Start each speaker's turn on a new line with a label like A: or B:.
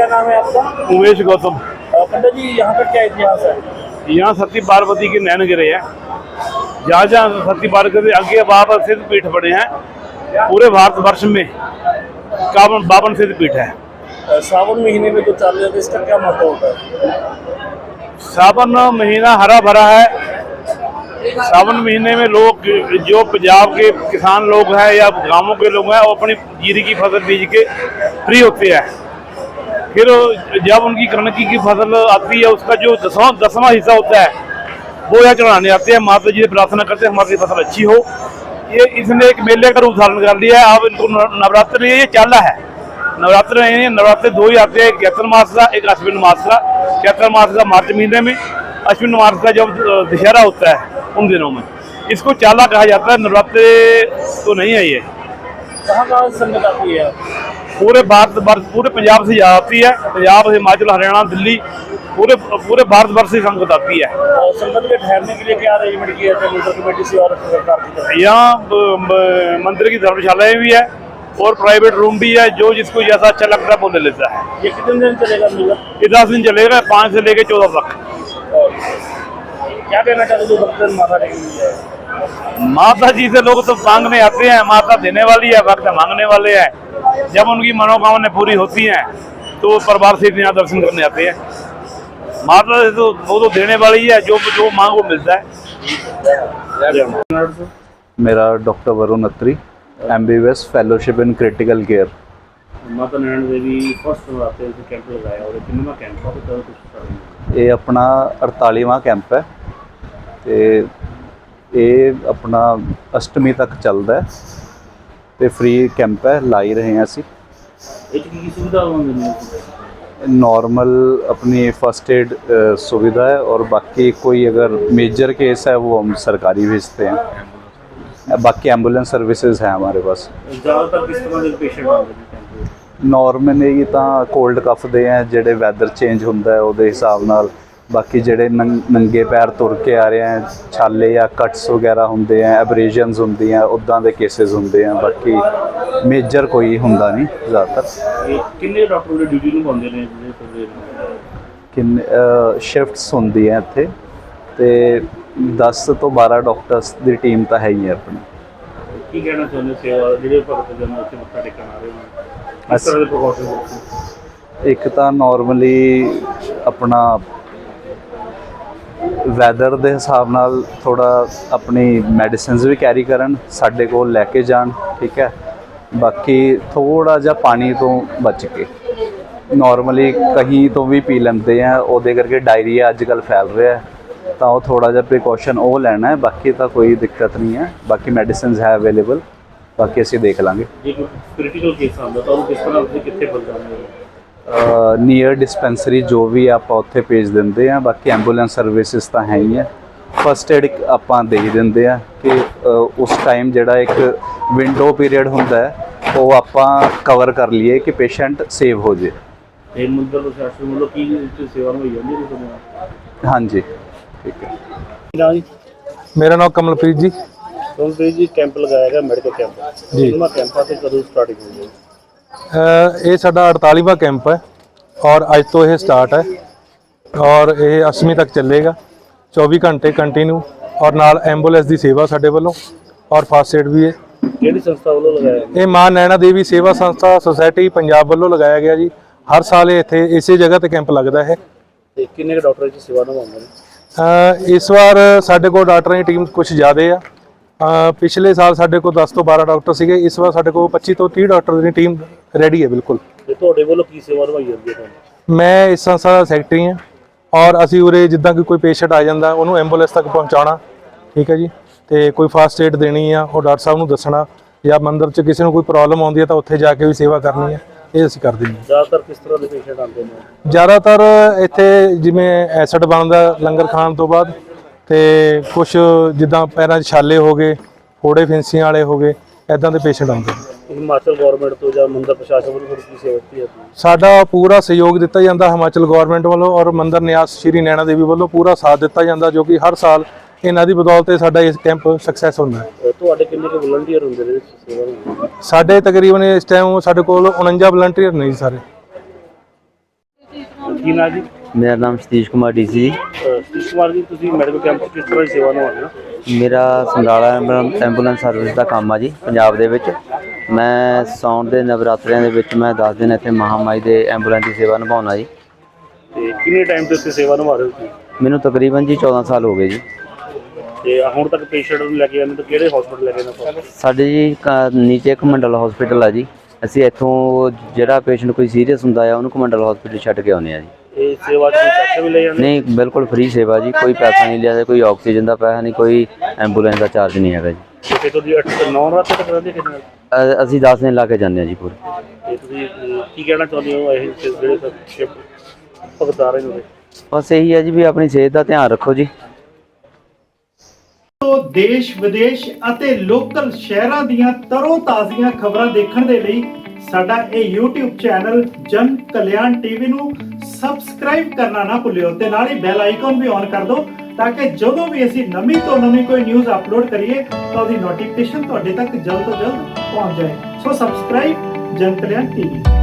A: नाम है आपका?
B: उमेश गौतम।
A: पंडित जी, यहाँ का क्या इतिहास है?
B: यहाँ सती पार्वती के नैन गिरे हैं। जहाँ जहाँ सती पार्वती आगे बावन सिद्ध पीठ बने हैं पूरे भारतवर्ष में, बावन सिद्ध पीठ है।
A: सावन महीने में जो चालू है, इसका क्या महत्व होता है?
B: सावन महीना हरा भरा है। सावन महीने में लोग, जो पंजाब के किसान लोग हैं या गांवों के लोग हैं, वो अपनी जीरी की फसल बीज के फ्री होते हैं। फिर जब उनकी कणक की फसल आती है, उसका जो दसवां हिस्सा होता है वो यहाँ चढ़ाने आते हैं। माता जी से प्रार्थना करते हैं हमारी फसल अच्छी हो। ये इसने एक मेले का रूप धारण कर लिया है। अब इनको नवरात्र ये चाला है। नवरात्र दो ही आते हैं, एक चैत्र मास का, एक अश्विन मास का। चैत्र मास का मार्च महीने में, अश्विन मास का जब दशहरा होता है उन दिनों में। इसको चाला कहा जाता है। नवरात्र तो नहीं है ये।
A: कहाँ संगत आती है?
B: पूरे भारतवर्ष, पूरे पंजाब से आती है। पंजाब, हिमाचल, हरियाणा, दिल्ली, पूरे भारतवर्ष से संगत आती है।
A: और संगत के ठहरने के लिए क्या अरेंजमेंट किया है मंदिर कमेटी से और सरकार की तरफ?
B: यहाँ मंदिर की धर्मशालाएं भी है और प्राइवेट रूम भी है। जो जिसको जैसा अच्छा लगता है वो ले लेता है।
A: ये कितने दिन चलेगा मेला?
B: ये 10 दिन चलेगा, 5 से लेकर 14 तक।
A: क्या कहना चाहते हो भक्तजन माता रानी?
B: माता जी से लोग तो मांगने आते हैं, माता देने वाली है, भक्त मांगने वाले हैं। जब उनकी मनोकामनाएं पूरी होती हैं तो परिवार से यहाँ दर्शन करने आते हैं। माता से तो वो तो देने वाली है, जो मांग वो मिलता है।
C: मेरा doctor Varun Atri, MBBS fellowship in critical care.
A: Mata Naina Devi first नवरात्रे से कैंप लगाया और कितना कैंप है तो कुछ?
C: ये अपना 48वां कैंप है ਤੇ ਇਹ ਆਪਣਾ ਅਸ਼ਟਮੀ ਤੱਕ ਚੱਲਦਾ ਤੇ ਫ੍ਰੀ ਕੈਂਪ ਹੈ, ਲਾ ਹੀ ਰਹੇ ਹਾਂ ਅਸੀਂ।
A: ਇਹ ਕੀ ਸੁਵਿਧਾ ਹੁੰਦੀ ਹੈ?
C: नॉर्मल अपनी फर्स्ट एड सुविधा है और बाकी कोई अगर मेजर केस है वो हम सरकारी भेजते हैं। बाकी एम्बुलेंस सर्विसेज हैं हमारे पास।
A: ज़्यादातर किस तरह के पेशेंट आते हैं?
C: नॉर्मली तो कोल्ड कफ दे हैं, जेडे वैदर चेंज होंदा है उहदे हिसाब नाल। बाकी जेडे नंगे पैर तुर के आ रहे हैं, छाले या कट्स वगैरह होंदे हैं, एब्रेजन्स होंदी हैं, उदां दे केसेस होंदे हैं। बाकी मेजर कोई हुंदा नहीं ज़्यादातर।
A: किन्ने डॉक्टर ड्यूटी निभाते हैं?
C: किन्ने शिफ्ट्स होंदी हैं इत्थे ते 10 तो 12 डॉक्टर्स की टीम तो है ही है अपनी।
A: की कहना चाਹੁੰਦੇ सेवा ਜਿਹੜੇ ਭਗਤ ਜਨ ਉੱਥੇ ਮੱਥਾ ਟੇਕਣ ਆ ਰਹੇ ਹੋ, ਇਸ ਤਰ੍ਹਾਂ ਦੇ ਪ੍ਰੀਕਾਸ਼ਨ?
C: ਇੱਕ ਤਾਂ ਨੋਰਮਲੀ ਆਪਣਾ ਵੈਦਰ ਦੇ ਹਿਸਾਬ ਨਾਲ ਥੋੜਾ ਆਪਣੀ ਮੈਡੀਸਿਨਸ ਵੀ ਕੈਰੀ ਕਰਨ, ਸਾਡੇ ਕੋਲ ਲੈ ਕੇ ਜਾਣ, ਠੀਕ ਹੈ। ਬਾਕੀ ਥੋੜਾ ਜਿਹਾ ਪਾਣੀ ਤੋਂ ਬਚ ਕੇ, ਨੋਰਮਲੀ ਕਹੀਂ ਤੋਂ ਵੀ ਪੀ ਲੈਂਦੇ ਆ, ਉਹਦੇ ਕਰਕੇ ਡਾਇਰੀਆ ਅੱਜ ਕੱਲ੍ਹ ਫੈਲ ਰਿਹਾ ਤਾਂ ਉਹ ਥੋੜਾ ਜਿਹਾ ਪ੍ਰੀਕਾਸ਼ਨ ਉਹ ਲੈਣਾ ਹੈ। ਬਾਕੀ ਤਾਂ ਕੋਈ ਦਿੱਕਤ ਨਹੀਂ ਹੈ। ਬਾਕੀ ਮੈਡੀਸਿਨਸ ਹੈ ਅਵੇਲੇਬਲ, ਬਾਕੀ ਅਸੀਂ ਦੇਖ ਲਾਂਗੇ।
A: ਜੇ ਕੋਈ ਕ੍ਰਿਟੀਕਲ ਕੇਸ ਆਉਂਦਾ ਤਾਂ ਉਹ ਕਿਸ ਤਰ੍ਹਾਂ ਤੁਸੀਂ ਕਿੱਥੇ ਪਹੁੰਚਾਉਂਦੇ ਹੋ?
C: ਨੀਅਰ ਡਿਸਪੈਂਸਰੀ ਜੋ ਵੀ ਆਪਾਂ ਉੱਥੇ ਭੇਜ ਦਿੰਦੇ ਆ। ਬਾਕੀ ਐਂਬੂਲੈਂਸ ਸਰਵਿਸਿਜ਼ ਤਾਂ ਹੈ ਹੀ ਹੈ। ਫਸਟ ਏਡ ਆਪਾਂ ਦੇ ਹੀ ਦਿੰਦੇ ਆ ਕਿ ਉਸ ਟਾਈਮ ਜਿਹੜਾ ਇੱਕ ਵਿੰਡੋ ਪੀਰੀਅਡ ਹੁੰਦਾ ਹੈ ਉਹ ਆਪਾਂ ਕਵਰ ਕਰ ਲਈਏ ਕਿ ਪੇਸ਼ੈਂਟ ਸੇਵ ਹੋ ਜੇ।
A: ਇਹ ਮੰਦਰ ਪ੍ਰਸ਼ਾਸਨ ਵੱਲੋਂ ਕੀ ਸੇਵਾ ਹੋਈ ਜਾਂਦੀ ਹੈ?
C: ਹਾਂਜੀ, ਠੀਕ ਹੈ।
A: ਜੀ
D: मेरा नाम कमलप्रीत जी।
A: कमलप्रीत जी, कैंप लगाया गया मेडिकल कैंप
D: जी।
A: कैंपा से कदों स्टार्टिंग हो गई?
D: ਇਹ ਸਾਡਾ 48ਵਾਂ ਕੈਂਪ ਹੈ ਔਰ ਅੱਜ ਤੋਂ ਇਹ ਸਟਾਰਟ ਹੈ ਔਰ ਇਹ 8ਵੀਂ ਤੱਕ ਚੱਲੇਗਾ 24 ਘੰਟੇ ਕੰਟੀਨਿਊ। ਔਰ ਨਾਲ ਐਂਬੂਲੈਂਸ ਦੀ ਸੇਵਾ ਸਾਡੇ ਵੱਲੋਂ ਔਰ ਫਾਸਟ ਏਡ ਵੀ ਹੈ।
A: ਕਿਹੜੀ ਸੰਸਥਾ ਵੱਲੋਂ ਲਗਾਇਆ?
D: ਇਹ ਮਾਂ ਨੈਣਾ ਦੇਵੀ ਸੇਵਾ ਸੰਸਥਾ ਸੁਸਾਇਟੀ ਪੰਜਾਬ ਵੱਲੋਂ ਲਗਾਇਆ ਗਿਆ ਜੀ। ਹਰ ਸਾਲ ਇਹ ਇੱਥੇ ਇਸੇ ਜਗ੍ਹਾ ਤੇ ਕੈਂਪ ਲੱਗਦਾ ਹੈ।
A: ਤੇ ਕਿੰਨੇ ਡਾਕਟਰ ਇਸ ਸੇਵਾ ਨਿਭਾਉਂਦੇ ਨੇ?
D: ਇਸ ਵਾਰ ਸਾਡੇ ਕੋਲ ਡਾਕਟਰਾਂ ਦੀ ਟੀਮ ਕੁਝ ਜ਼ਿਆਦਾ ਆ। ਪਿਛਲੇ ਸਾਲ ਸਾਡੇ ਕੋਲ 10 ਤੋਂ 12 ਡਾਕਟਰ ਸੀਗੇ। ਇਸ ਵਾਰ ਸਾਡੇ ਕੋਲ 25 ਤੋਂ 30 ਡਾਕਟਰ ਦੀ ਟੀਮ ਰੈਡੀ ਹੈ ਬਿਲਕੁਲ।
A: ਤੇ ਤੁਹਾਡੇ ਵੱਲੋਂ ਕੀ ਸੇਵਾ ਨਿਭਾਈ ਜਾਂਦੀ ਹੈ ਤੁਹਾਨੂੰ?
D: ਮੈਂ ਇਸ ਸੰਸਥਾ ਦਾ ਸੈਕਟਰੀ ਹਾਂ ਔਰ ਅਸੀਂ ਉਰੇ ਜਿੱਦਾਂ ਕਿ ਕੋਈ ਪੇਸ਼ੈਂਟ ਆ ਜਾਂਦਾ ਉਹਨੂੰ ਐਂਬੂਲੈਂਸ ਤੱਕ ਪਹੁੰਚਾਉਣਾ, ਠੀਕ ਹੈ ਜੀ। ਤੇ ਕੋਈ ਫਸਟ ਏਡ ਦੇਣੀ ਆ ਉਹ ਡਾਕਟਰ ਸਾਹਿਬ ਨੂੰ ਦੱਸਣਾ, ਜਾਂ ਮੰਦਰ 'ਚ ਕਿਸੇ ਨੂੰ ਕੋਈ ਪ੍ਰੋਬਲਮ ਆਉਂਦੀ ਹੈ ਤਾਂ ਉੱਥੇ ਜਾ ਕੇ ਵੀ ਸੇਵਾ ਕਰਨੀ ਹੈ। ਇਹ ਅਸੀਂ ਕਰਦੇ ਹਾਂ।
A: ਜ਼ਿਆਦਾਤਰ ਕਿਸ ਤਰ੍ਹਾਂ ਦੇ ਪੇਸ਼ੈਂਟ ਆਉਂਦੇ ਨੇ?
D: ਜ਼ਿਆਦਾਤਰ ਇੱਥੇ ਜਿਵੇਂ ਐਸਿਡ ਬਣਦਾ ਲੰਗਰ ਖਾਣ ਤੋਂ ਬਾਅਦ, ਤੇ ਕੁਛ ਜਿੱਦਾਂ ਪੈਰਾਂ 'ਚ ਛਾਲੇ ਹੋ ਗਏ, ਫੋੜੇ ਫਿੰਸੀਆਂ ਵਾਲੇ ਹੋ ਗਏ, ਇੱਦਾਂ ਦੇ ਪੇਸ਼ੈਂਟ ਆਉਂਦੇ ਨੇ।
A: ਹਿਮਾਚਲ ਗਵਰਨਮੈਂਟ ਤੋਂ ਜਾਂ ਮੰਦਰ ਪ੍ਰਸ਼ਾਸਨ ਵੱਲੋਂ ਕੀ ਸੇਵਾ ਦਿੱਤੀ ਜਾਂਦੀ ਹੈ?
D: ਸਾਡਾ ਪੂਰਾ ਸਹਿਯੋਗ ਦਿੱਤਾ ਜਾਂਦਾ ਹਿਮਾਚਲ ਗਵਰਨਮੈਂਟ ਵੱਲੋਂ ਔਰ ਮੰਦਰ ਨਿਆਸ ਸ਼੍ਰੀ ਨੈਣਾ ਦੇਵੀ ਵੱਲੋਂ ਪੂਰਾ ਸਾਥ ਦਿੱਤਾ ਜਾਂਦਾ, ਜੋ ਕਿ ਹਰ ਸਾਲ ਇਹਨਾਂ ਦੀ ਬਦੌਲਤ ਸਾਡਾ ਇਹ ਕੈਂਪ ਸਕਸੈਸ ਹੁੰਦਾ ਹੈ।
A: ਤੁਹਾਡੇ ਕਿੰਨੇ ਕੁ ਵਲੰਟੀਅਰ ਹੁੰਦੇ ਨੇ ਸੇਵਾ ਨੂੰ?
D: ਸਾਡੇ ਤਕਰੀਬਨ ਇਸ ਟਾਈਮ ਸਾਡੇ ਕੋਲ 49 ਵਲੰਟੀਅਰ ਨੇ ਜੀ ਸਾਰੇ।
A: ਕੀ ਨਾਂ ਜੀ?
E: ਮੇਰਾ ਨਾਮ ਸਤੀਸ਼ ਕੁਮਾਰ ਡੀਸੀ ਜੀ।
A: ਸਤੀਸ਼ ਕੁਮਾਰ ਜੀ, ਤੁਸੀਂ ਮੈਡੀਕਲ ਕੈਂਪ 'ਚ ਕਿਸ ਤਰ੍ਹਾਂ ਦੀ ਸੇਵਾ ਨਿਭਾਉਂਦੇ ਹੋ?
E: ਮੇਰਾ ਸਮਰਾਲਾ ਐਂਬੂਲੈਂਸ ਸਰਵਿਸ ਦਾ ਕੰਮ ਆ ਜੀ ਪੰਜਾਬ ਦੇ ਵਿੱਚ। ਮੈਂ ਸਾਉਣ ਦੇ ਨਵਰਾਤਰਿਆਂ ਦੇ ਵਿੱਚ ਮੈਂ 10 ਦਿਨ ਇੱਥੇ ਮਹਾਮਾਈ ਦੇ ਐਂਬੂਲੈਂਸ ਦੀ ਸੇਵਾ ਨਿਭਾਉਣਾ ਜੀ।
A: ਤੇ ਕਿੰਨੇ ਟਾਈਮ ਤੋਂ ਇੱਥੇ ਸੇਵਾ ਨਿਭਾ ਰਹੇ ਹੋ ਤੁਸੀਂ?
E: ਮੈਨੂੰ ਤਕਰੀਬਨ ਜੀ 14 ਸਾਲ ਹੋ ਗਏ ਜੀ।
A: ਤੇ ਹੁਣ ਤੱਕ ਪੇਸ਼ੈਂਟ ਨੂੰ ਲੈ ਕੇ ਜਾਂਦੇ ਤਾਂ ਕਿਹੜੇ ਹਸਪੀਟਲ ਲੈ ਕੇ ਜਾਂਦੇ?
E: ਸਾਡੇ ਜੀ ਨੀਚੇ ਇੱਕ ਮੰਡਲ ਹਸਪੀਟਲ ਆ ਜੀ। ਅਸੀਂ ਇੱਥੋਂ ਜਿਹੜਾ ਪੇਸ਼ੈਂਟ ਕੋਈ ਸੀਰੀਅਸ ਹੁੰਦਾ ਆ ਉਹਨੂੰ ਮੰਡਲ ਹਸਪੀਟਲ ਛੱਡ ਕੇ ਆਉਂਦੇ ਆ ਜੀ।
A: ਇਹ ਸੇਵਾ 'ਚ ਕੋਈ ਪੈਸੇ ਵੀ ਲੈ ਜਾਂਦੇ?
E: ਨਹੀਂ, ਬਿਲਕੁਲ ਫ੍ਰੀ ਸੇਵਾ ਜੀ। ਕੋਈ ਪੈਸਾ ਨਹੀਂ ਲਿਆ, ਕੋਈ ਆਕਸੀਜਨ ਦਾ ਪੈਸਾ ਨਹੀਂ, ਕੋਈ ਐਂਬੂਲੈਂਸ ਦਾ ਚਾਰਜ ਨਹੀਂ ਹੈਗਾ ਜੀ।
A: ਤੇ ਤੁਸੀਂ 9 ਰਾਤ ਤੱਕ ਰਹਿੰਦੇ ਕਿੰਨੇ ਨਾਲ?
E: ਅਸੀਂ 10 ਦਿਨ ਲਾ ਕੇ ਜਾਂਦੇ ਹਾਂ ਜੀ ਪੂਰੇ।
A: ਤੇ ਤੁਸੀਂ ਕੀ ਕਹਿਣਾ ਚਾਹੁੰਦੇ ਹੋ ਇਹ ਜਿਹੜੇ ਸ਼ਿਫਟ ਭਗਤ ਆ ਰਹੇ ਨੇ?
E: ਬਸ ਇਹੀ ਹੈ ਜੀ ਵੀ ਆਪਣੀ ਸਿਹਤ ਦਾ ਧਿਆਨ ਰੱਖੋ ਜੀ।
F: ਦੇਸ਼ ਵਿਦੇਸ਼ ਅਤੇ ਲੋਕਲ ਸ਼ਹਿਰਾਂ ਦੀਆਂ ਤਰੋ ਤਾਜ਼ੀਆਂ ਖਬਰਾਂ ਦੇਖਣ ਦੇ ਲਈ ਸਾਡਾ ਇਹ YouTube ਚੈਨਲ ਜਨ ਕਲਿਆਣ ਟੀਵੀ ਨੂੰ ਸਬਸਕ੍ਰਾਈਬ ਕਰਨਾ ਨਾ ਭੁੱਲਿਓ ਤੇ ਨਾਲ ਹੀ ਬੈਲ ਆਈਕਨ ਵੀ ਔਨ ਕਰ ਦਿਓ ਤਾਂ ਕਿ ਜਦੋਂ ਵੀ ਅਸੀਂ ਨਵੀਂ ਤੋਂ ਨਵੀਂ ਕੋਈ ਨਿਊਜ਼ ਅਪਲੋਡ ਕਰੀਏ ਤਾਂ ਉਹਦੀ ਨੋਟੀਫਿਕੇਸ਼ਨ ਤੁਹਾਡੇ ਤੱਕ ਜਲਦ ਤੋਂ ਜਲਦ ਪਹੁੰਚ ਜਾਏ। ਸੋ ਸਬਸਕ੍ਰਾਈਬ ਜਨ ਕਲਿਆਣ ਟੀਵੀ।